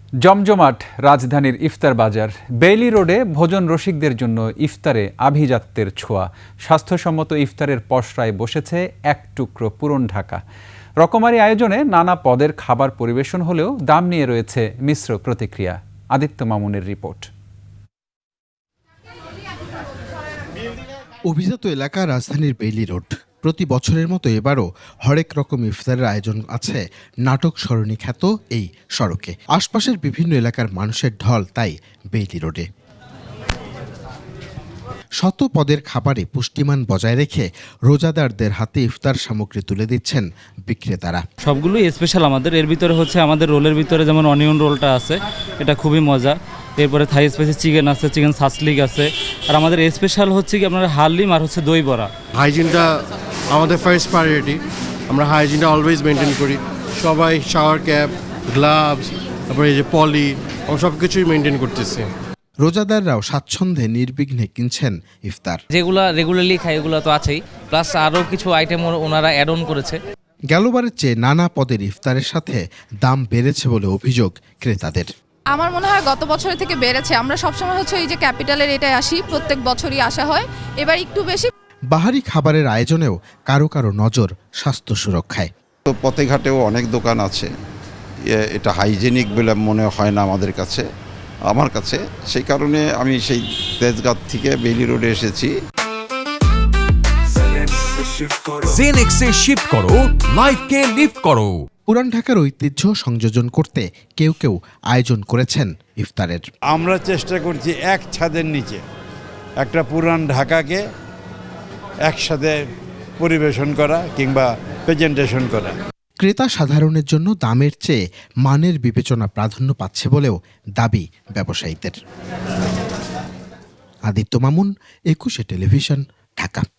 জমজমাট রাজধানীর ইফতার বাজার। বেইলি রোডে ভোজন রসিকদের জন্য ইফতারে আভিজাত্যের ছোঁয়া। স্বাস্থ্যসম্মত ইফতারের পসরায় বসেছে এক টুকরো পুরন ঢাকা। রকমারি আয়োজনে নানা পদের খাবার পরিবেশন হলেও দাম নিয়ে রয়েছে মিশ্র প্রতিক্রিয়া। আদিত্য মামুনের রিপোর্ট। অভিজাত এলাকা রাজধানীর বেইলি রোড। প্রতি বছরের মতো এবারও হরেক রকম ইফতারের আয়োজন আছে নাটক সরণি খ্যাত এই সড়কে। আশপাশের বিভিন্ন এলাকার মানুষের ঢল তাই বেইলি রোডে। শত পদের খাবারে পুষ্টিমান বজায় রেখে রোজাদারদের হাতে ইফতার সামগ্রী তুলে দিচ্ছেন বিক্রেতারা। সবগুলোই স্পেশাল আমাদের। এর ভিতরে হচ্ছে আমাদের রোলের ভিতরে যেমন অনিয়ন রোলটা আছে, এটা খুবই মজা। এরপরে থাই স্পাইসি চিকেন আছে, চিকেন সাসলিক আছে। আর আমাদের স্পেশাল হচ্ছে কি আপনার হালিম আর হচ্ছে দই বড়া। হাইজিনটা আমাদের ফার্স্ট প্রায়োরিটি। আমরা হাইজিনটা অলওয়েজ মেনটেন করি। সবাই শাওয়ার ক্যাপ, গ্লাভস, তারপরে এই যে পলি, আমরা সব কিছুই মেনটেন করতেছি। রোজাদাররাও স্বাচ্ছন্দ্যে নির্বিঘ্নে কিনছেন ইফতার। যেগুলো রেগুলারলি খাই এগুলো তো আছেই, প্লাস আরও কিছু আইটেম ওনারা অ্যাড অন করেছে। গেলবারের চেয়ে নানা পদের ইফতারের সাথে দাম বেড়েছে বলে অভিযোগ ক্রেতাদের। আমার মনে হয় গত বছরের থেকে বেড়েছে। আমরা সবসময় হচ্ছে এই যে ক্যাপিটালের এটাই আসি, প্রত্যেক বছরই আসা হয়, এবার একটু বেশি। বাহারি খাবারের আয়োজনেও কারো কারো নজর স্বাস্থ্য সুরক্ষায়। তো পথে ঘাটেও অনেক দোকান আছে, এটা হাইজেনিক বলে মনে হয় না আমার কাছে। সেই কারণে আমি সেই তেজগাঁও থেকে বেইলি রোডে এসেছি। জেনেক্সে শিফট করো, লাইফকে লিফট করো। পুরান ঢাকার ঐতিহ্য সংযোজন করতে কেউ কেউ আয়োজন করেছেন ইফতারের। আমরা চেষ্টা করছি এক ছাদের নিচে একটা পুরান ঢাকাকে একসাথে পরিবেশন করা কিংবা প্রেজেন্টেশন করা। ক্রেতা সাধারণের জন্য দামের চেয়ে মানের বিবেচনা প্রাধান্য পাচ্ছে বলেও দাবি ব্যবসায়ীদের। আদিত্য মামুন, 21 টেলিভিশন, ঢাকা।